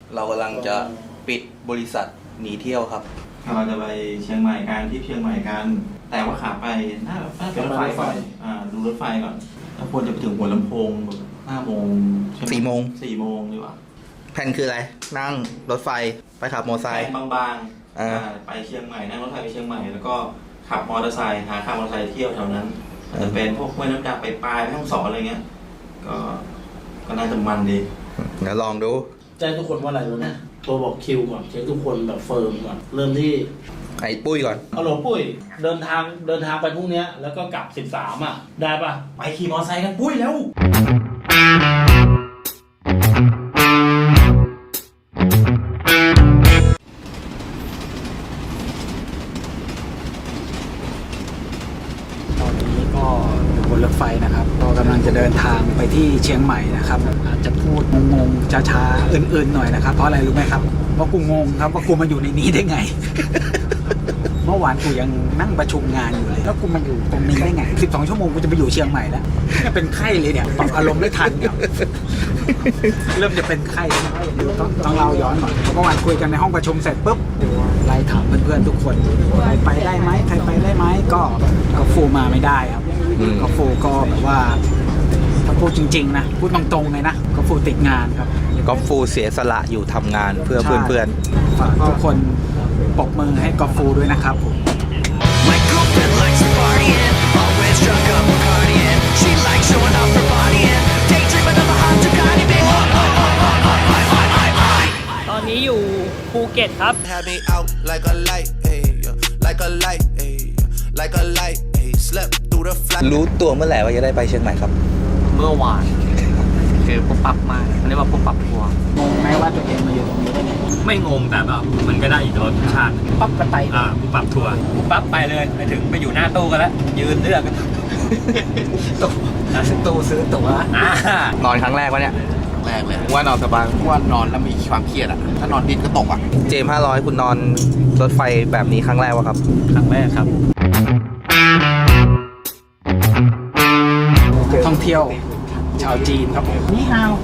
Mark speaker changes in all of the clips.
Speaker 1: เรากำลังจะปิดบริษัทหนีเที่ยวครับ
Speaker 2: เราจะไปเชียงใหม่กันที่เชียงใหม่กันแต่ว่าขาไปน่าเป็นรถไฟก่อนดูรถไฟก่อนแล้วควรจะไปถึงหัวลำโพง5 โมง
Speaker 1: 4 โมง
Speaker 2: 4 โมงดีกว่า
Speaker 1: แผนคืออะไรนั่งรถไฟไปขับมอเตอร์ไซค์
Speaker 2: บางๆไปเชียงใหม่นั่งรถไฟไปเชียงใหม่แล้วก็ขับมอเตอร์ไซค์หาขับมอเตอร์ไซค์เที่ยวแถวนั้นจะเป็นพวกห้วยน้ำดับไปปลายแม่ฮ่องสอนอะไรเงี้ยก็น่าจะมันดี
Speaker 1: เดี๋ยวลองดู
Speaker 3: แจ้งทุกคนว่าอะไรรู้นะตัวบอกคิวก่อนเช็คทุกคนแบบเฟิร์มก่อนเริ่มที่
Speaker 1: ไอ้ปุ้ยก่อน
Speaker 3: ฮัลโหลปุ้ยเดินทางไปพรุ่งนี้แล้วก็กลับ13อ่ะได้ปะ
Speaker 2: ไปขี่มอเตอร์ไซค์กันปุ้ยแล้ว
Speaker 4: บนรถไฟนะครับเรากำลังจะเดินทางไปที่เชียงใหม่นะครับอาจจะพูดงงๆช้าๆอื่นๆหน่อยนะครับเพราะอะไรรู้ไหมครับเพราะกูงงครับว่ากูมาอยู่ในนี้ได้ไง เมื่อวานกูยังนั่งประชุมงานอยู่เลยแล้วกูมาอยู่ตรงนี้ได้ไง12 ชั่วโมงกูจะไปอยู่เชียงใหม่แล้วเนี่ยเป็นไข้เลยเนี่ยปรับอารมณ์ได้ทันเนี่ยเริ่มจะเป็นไข้แล้วต้องเล่าย้อนหน่อยเพราะเมื่อวานคุยกันในห้องประชุมเสร็จปุ๊บเดี๋ยวไล่ถามเพื่อนๆทุกคนใครไปได้ไหมใครไปได้ไหมก็ฟูมาไม่ได้ครับก็ฟูก็แบบว่าถ้าพูดจริงๆนะพูดตรงๆเลยนะก็ฟูติดงานครับ
Speaker 1: ก็ฟูเสียสละอยู่ทำงานเพื่อเพื่อน
Speaker 4: ๆฝากทุกคนปรบมือให้กอฟูด้วยนะครับผม
Speaker 5: ตอนนี้อยู่ภูเก็ตครับ
Speaker 1: รู้ตัวเมื่อไหร่ว่าจะได้ไปเชียงใหม่ครับ
Speaker 5: เมื่อวานคือปุ๊บปั๊บมากเรียกว่าปุ๊บปั๊บทัวร์
Speaker 4: งงไหมว่าตัวเองมาอยู่ตรงนี้ได้ไง
Speaker 5: ไม่งงแต่แบบมันก็ได้อีกรสชาติ
Speaker 4: ปั๊บก็ไป
Speaker 5: ปุ๊บปั๊บทัวร์ปุ๊บปั๊บไปเลยไปถึงไปอยู่หน้าตู้กันแล้วยืนเลือกกัน
Speaker 4: ตู้ซื้อตั๋
Speaker 1: วนอนครั้งแรกวะเนี่ย
Speaker 2: แรกเลย
Speaker 1: ว่านอนสบาย
Speaker 2: ว่านอนแล้วมีความเครียดอ่ะถ้านอนดินก็ตกอ่ะ
Speaker 1: เจม500คุณนอนรถไฟแบบนี้ครั้งแรกวะครับ
Speaker 5: ครั้งแรกครับ
Speaker 4: ท่องเที่ยวชาวจีนครับผมนี่ฮาว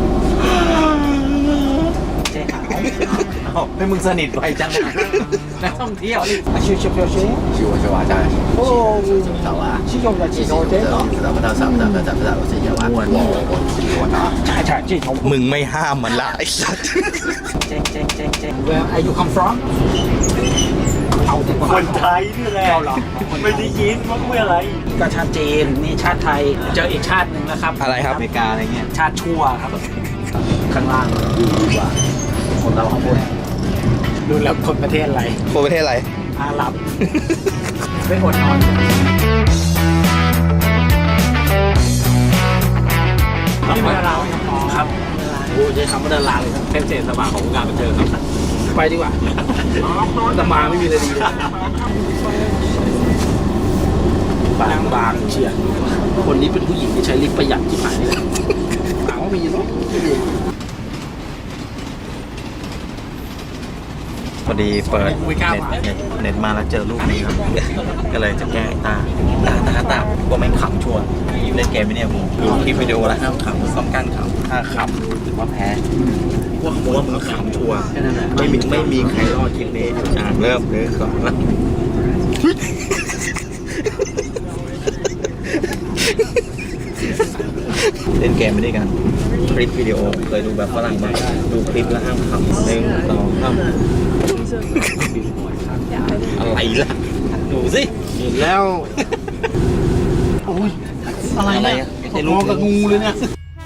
Speaker 4: เจ๊ขาว
Speaker 2: ให้มึงสนิทไวจัง
Speaker 4: นักท่องเที่ยวนี่ชิวชิวชิว
Speaker 2: ชิวชิวจ้า
Speaker 4: โอ้สาวชิวจะจีโนเจ๊ใช่จีโน
Speaker 1: มึงไม่ห้ามมันละไอ้สัส
Speaker 4: เจ๊ Where are you come from
Speaker 5: คนไทยนี่แหละไม่ได้ยินว่าเมื่ออะไร
Speaker 4: ก็ชาติจีนนี่ชาติไทยเจออีกชาติหนึ่งนะครับ
Speaker 1: อะไรครับ
Speaker 2: อเมริกาอะไรเงี้ย
Speaker 4: ชาติชั่วครับข้างล่างดีกว่าคนเราข้างบนดูแล้วคนประเทศอะไร
Speaker 1: คนประเทศอะไร
Speaker 4: อาหรับไม่อดนอนนี่เป็นดาราครับ
Speaker 5: โอ้ใช้คำว่าดาราเลยครับเป็นเศษสมาของวงการบันเทิงครับ
Speaker 4: ไปดีกว่า
Speaker 5: แต่มาไม่มีอะไรดีเลย
Speaker 4: บางเชียร์
Speaker 5: คนนี้เป็นผู้หญิงที่ใช้ลิฟต์ประหยัดที่หายเลย
Speaker 4: ถามว่ามีหรอ
Speaker 2: พอดีเปิดเน็ตมาแล้วเจอรูปนี้ครับก็เลยจะแก้ตาว่าไม่ขำชัวร์เล่นเกมไม่เนี่ยผมดูคลิปวิดีโอแล้วห้ามขำซ้อมกั้นขำถ้าขำถือว่าแพ้ว่ามึงขำชัวร์ไม่มีใครรอดคลิปนี้เริ่มเลยก่อนเล่นเกมไม่ได้กันคลิปวิดีโอเคยดูแบบฝรั่งมาดูคลิปแล้วห้ามขำ1 2 3อะไรล่ะดูสิ
Speaker 4: เห็นแล้วโอ้ยอะไรเนี่ยมองกับงูเลยเนี่ย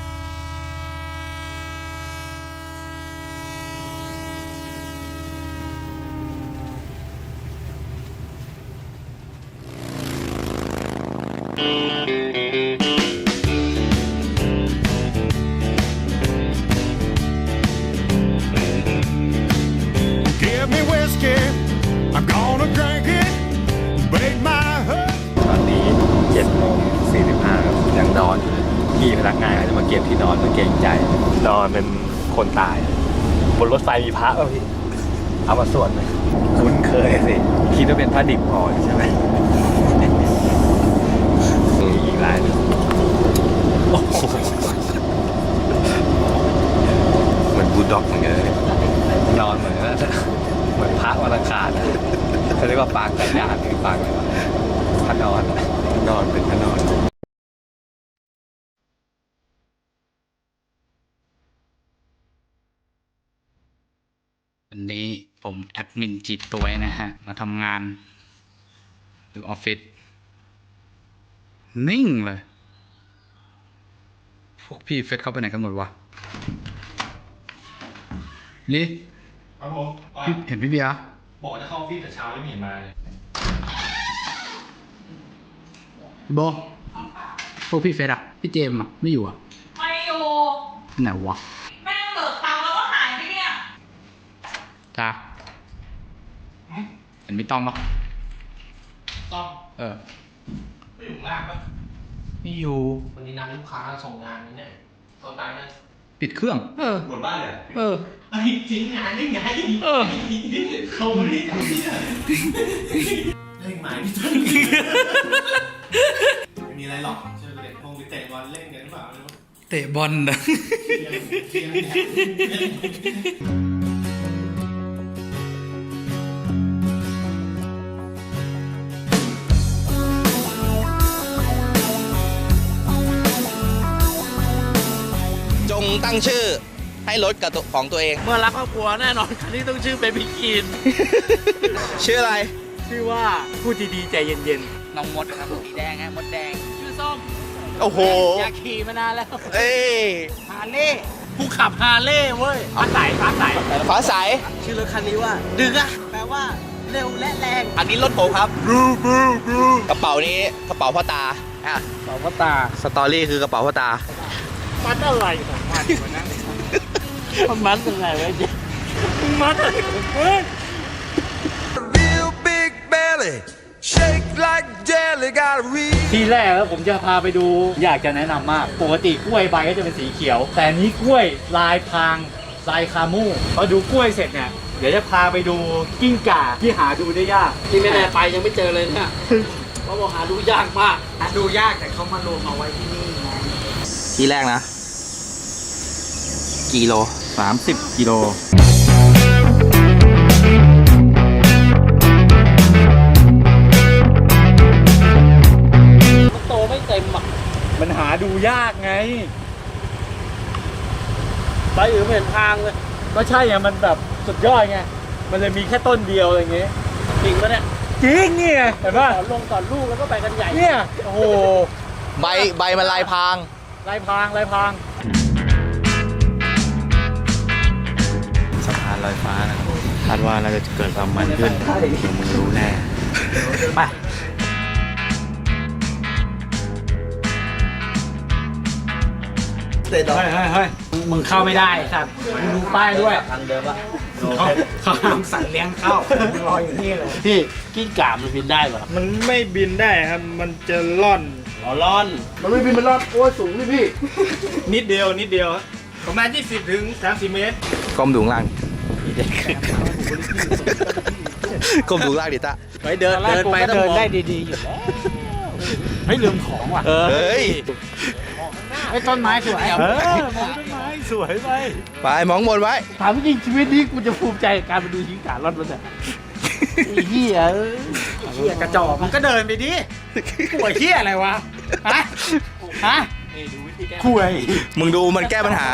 Speaker 2: พี่พนักงานเขาจะมาเก็บที่นอนเพื่อเกรงใจนอนเป็นคนตายบนรถไฟมีพระป่ะพี่เอามาสวดไหมคุ้นเคยสิคิดว่าเป็นพระดิบอ่อนใช่ไหมอีกรายเหมือนบูล
Speaker 1: ด็อกเหมือนกันเลย
Speaker 5: นอนเหมือนพระวันอังคารเขาเรียกว่าปางไก่ย่างหรือปางพระนอน
Speaker 1: นอนเป็นพระนอน
Speaker 4: วันนี้ผมแอดมินจิตตัวนะฮะ มาทำงานหรือออฟฟิศนิ่งเลย พวกพี่เฟซเข้าไปไหนกันหมดวะนี่
Speaker 6: ครับผม
Speaker 4: พี่เห็นพี่เบียร์
Speaker 6: บอกจะเข้าออฟฟิศแต่เช้าไม่เห็นมาเลย
Speaker 4: โบพวกพี่เฟซอะพี่เจมส์อะไม่อยู่อะ
Speaker 7: ไม่อยู่
Speaker 4: ไหนวะ
Speaker 7: แม่งเบิกตังค์แล้วก็หายไปเนี่ย
Speaker 4: จ้าเห็นพี่ต้อมปะ
Speaker 6: ต้อง
Speaker 4: เออ
Speaker 6: ไม่อยู่ล่างปะ
Speaker 4: ไม่อยู่
Speaker 6: วันนี้นัดลูกค้าส่งงานนี่เนี่ยส่งตายนะ
Speaker 4: ปิดเครื่อง เออ
Speaker 6: หมดบ้านเลย
Speaker 4: เออ
Speaker 6: ไอ้จริงงานได้ไง
Speaker 4: เออ
Speaker 6: เขาไม่ได้ทำเนี่ยเล่นหมายพี่ต้นไม่มีอะไรหรอกเชื่อเลยมองไปเตะบอลเล่นกันหรือเปล่าไม่รู้
Speaker 4: เตะบอลนะ
Speaker 6: เที่ยงเนี่ย
Speaker 1: จงตั้งชื่อให้รถกับตัวของตัวเอง
Speaker 3: เมื่อรักครอบครัวแน่นอนคันนี้ต้องชื่อเบบี้กิน
Speaker 1: ชื่ออะไร
Speaker 3: ชื่อว่าพูดดีๆใจเย็น
Speaker 4: น้องมดครับสีแดงฮะมดแดง
Speaker 3: ๆ ชื่อส้ม
Speaker 1: โอ้โห
Speaker 3: อยากขี่มานานแล้ว
Speaker 1: เอ้ย
Speaker 3: ฮาร์เลย์ผู้ขับฮาร์เลย์เว้ยฟ้าใส
Speaker 1: ฟ้าใส
Speaker 3: ชื่อรถคันนี้ว่าดึงอะแปลว่าเร็วและแรง
Speaker 1: อันนี้รถผมครับ กระเป๋านี้กระเป๋าพ่อตาอ่ะ
Speaker 3: สองพ่อตา
Speaker 1: สตอรี่คือกระเป๋าพ่อตา
Speaker 3: มัดอะไรของมันวะนั่นมันมัดยังไงวะเจ๊มัดอะไรของมัน
Speaker 8: Real big belly, shake like jelly, got a real
Speaker 5: ที่แรกแล้วผมจะพาไปดูอยากจะแนะนำมาก ปกติกล้วยใบก็จะเป็นสีเขียว แต่อันนี้กล้วยลายพรางลายคามูพอดูกล้วยเสร็จเนี่ย เดี๋ยวจะพาไปดูกิ้งก่าที่หาดูได้ยาก
Speaker 3: นี่ไม่แน่ไปยังไม่เจอเลยเนี่ยเขาบอกหาดูยากมาก
Speaker 4: หาดูยากแต่เขามารวมเอาไว้ที่นี่ไง
Speaker 1: ที่แรกนะ กิโล
Speaker 2: 30 กิโล
Speaker 3: มันโตไม่เต็มอ่ะ
Speaker 5: มันหาดูยากไง
Speaker 3: ใบอื่นไม่เห็นทางเลย
Speaker 5: ก็ใช่ไงมันแบบสุดยอดไง มันเลยมีแค่ต้นเดียวอะไรอย่างเงี้ย
Speaker 3: จริงปะเนี่ย
Speaker 5: จริงนี่ไงเห็นป่ะ
Speaker 3: สอนลงสอนลูกแล้วก็ไปกันใหญ่
Speaker 5: เนี่ย โอ้โห
Speaker 1: ใบมันลายพราง
Speaker 5: ลายพรางลายพราง
Speaker 2: สะพานลอยฟ้านะครับคาดว่าน่าจะเกิดความมันขึ้น เดี๋ยวมึงรู้แน่
Speaker 4: ไป
Speaker 1: เตะต่อ
Speaker 4: เฮ้ยมึงเข้าไม่ได้สัตว์มึงดูป้ายด้วย
Speaker 3: ทางเดิมปะ
Speaker 4: เขาห้ามสัตว์เลี้ยงเข้ามึงรออยู่นี่เลย
Speaker 3: พี่กิ้งก่ามันบินได้เหรอ
Speaker 6: มันไม่บินได้ครับ มันจะล่อน
Speaker 3: ร้อน มันไม่บินมันร้อนโอ้ยสูงนี่พี่
Speaker 6: นิดเดียวประมาณ20 ถึง 30 เมตร
Speaker 1: ก้มดูข้างล่างก้มดูข้างล่างดิตา
Speaker 3: ไปเดินไปต้องมองได้ดีๆอยู่แล้ว
Speaker 4: เฮ้ยลืมของว่ะ
Speaker 1: เฮ้ย
Speaker 4: ไอ้ต้นไม้สวย
Speaker 3: มองต้นไม้สวยไป
Speaker 1: ไปมองบนไว้
Speaker 3: ถามจริงชีวิตนี้กูจะภูมิใจกับการไปดูกิ้งก่ารอดมันเนี่ยไอ้เหี้ยเอ้ย
Speaker 4: เหี้ยกระจอกมันก็เดินไปดิป่วยเหี้ยอะไรวะ ฮะคุย
Speaker 1: มึงดูมันแก้ปัญหา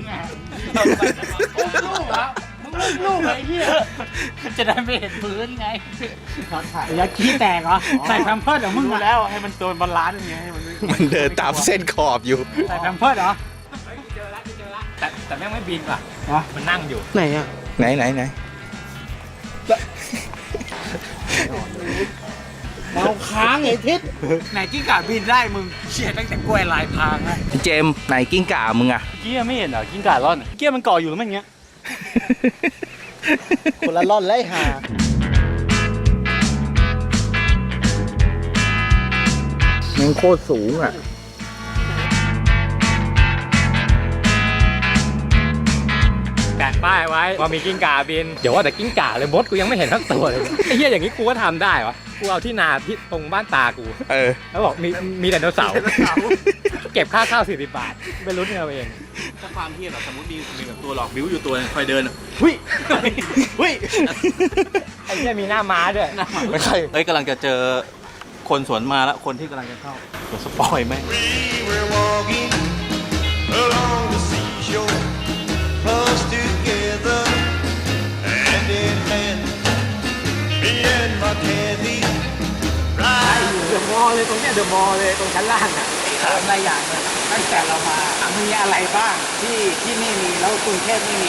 Speaker 3: ลูกเหรอมึงลูกไอ้เหี้ย
Speaker 4: จะได้ไม่เห็นพื้นไงอยากขี้แตกเหรอ ใส่แพมเพิร์ดเหรอมึง
Speaker 3: รู้แล้วให้มันตัวบาลานซ์ยังไงให้มัน
Speaker 1: มันเดินตามเส้นขอบอยู่
Speaker 4: ใส่แพมเพิร์ดเหรอ
Speaker 5: แต่แม่งไม่บินว่ะ มันนั่งอยู่
Speaker 3: ไหนอ่ะ
Speaker 1: ไหน
Speaker 3: เราค้างไอ้ทิศ
Speaker 4: ไหนกิ้งก่าบินได้มึงเชี่ยตั้งแต่กล้วยลายพรางนะ
Speaker 1: พี่เจมส์ไหนกิ้งก่ามึงอะ
Speaker 5: เกี้ยไม่เห็นเหรอกิ้งก่าร่อนเกี้ยมันเกาะอยู่แล้วมันอย่างเงี้ย
Speaker 3: คนละร่อนไล่หา
Speaker 1: มันโคตรสูงอะ
Speaker 5: แปะป้ายไว้ว่ามีกิ้งก่าบินเดี๋ยวว่าแต่กิ้งก่าเลยมดกูยังไม่เห็นทั้งตัวเลยไอ้เหี้ยอย่างนี้กูก็ทำได้วะกูเอาที่นาที่ตรงบ้านตากูแล้วบอกมีไดโนเสาร์เก็บค่าข้าว40 บาทไปลุ้นเอาเอง
Speaker 2: ถ้าความเทียบแบบสมมติมีแบบตัวหลอกบิ้วอยู่ตัวคอยเดินหุ้ยหุ้ย
Speaker 5: ไอ้เหี้ยมีหน้าม้าด้วย
Speaker 2: ไม่ใช่เอ้ยกำลังจะเจอคนสวนมาแล้วคนที่กำลังจะเข้าเดี๋ยวสปอยแม่ง
Speaker 8: We were walking along the seashore, close together, hand in hand. Me and my Kathy,
Speaker 4: เดอะมอลเลยตรงเนี้ยเดอะมอลเลยตรงชั้นล่างอ่ะถามหลายอย่างเลยตั้งแต่เรามามีอะไรบ้างที่นี่มีแล้วกรุงเทพไม่มี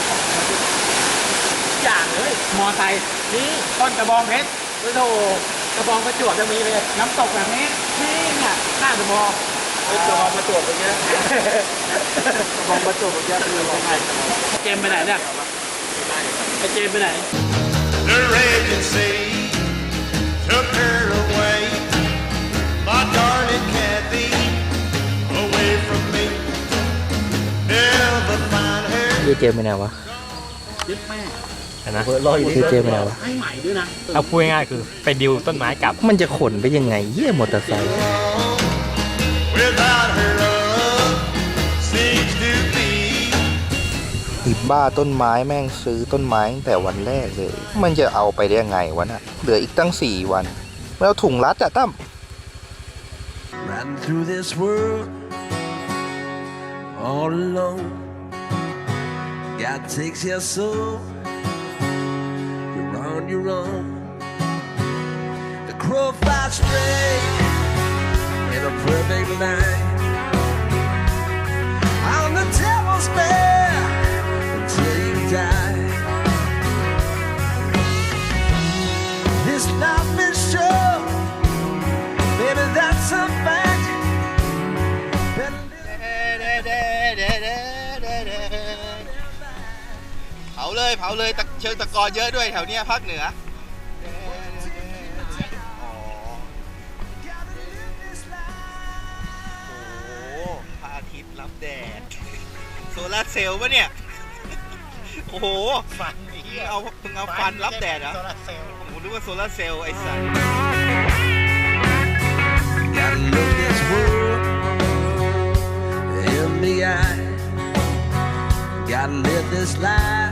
Speaker 4: อย่างเลยมอไซค์นี่ต้นกระบองเพชรโอ้โหกระบองประจวบจะมีเลยน้ำตกแบบนี้นี่เนี่ยหน้าเดอะมอลกระบองประจวบอย่างเงี้ยกระบองประจวบอย่างเงี้ยคือยังไงเจมไปไหนเนี่ยไอเจมไปไหน
Speaker 8: the raging sea took her away, my darling Kathy, away from me. Never find her.
Speaker 1: พี่เจมไปไหนวะ
Speaker 5: นะ
Speaker 1: พี่เจมไปไหนวะ
Speaker 4: ให้ใหม่ด้วยนะ
Speaker 5: เอาพูดง่ายๆคือไปดิวต้นไม้กลับ
Speaker 1: มันจะขนไปยังไงเยี่ยมอเตอร์ไซค์
Speaker 8: Without her love seems to be.
Speaker 1: อีบ้าต้นไม้แม่งซื้อต้นไม้ตั้งแต่วันแรกเลย มันจะเอาไปได้ยังไงวะน่ะเหลืออีกตั้ง4 วันแล้วถุงรัดอะตั้ม
Speaker 8: Riding through this world all alone. God takes your soul. You're on your own. The crow flies straight in a perfect line. On the devil's bed until you die. This life is short. Baby, that's a fact.
Speaker 1: เผาเลยเชิงตะกอเยอะด้วยแถวเนี้ยภาคเหนือโอ้พระอาทิตย์รับแดดโซลาร์เซลล์ปะเนี่ยโอ้โหฟันมึงเอาฟันรับแดดเหรอผมนึกว่าโซลาร์เซลล์ไอ้สัส
Speaker 8: Gotta look this world in the eye. Gotta live this life.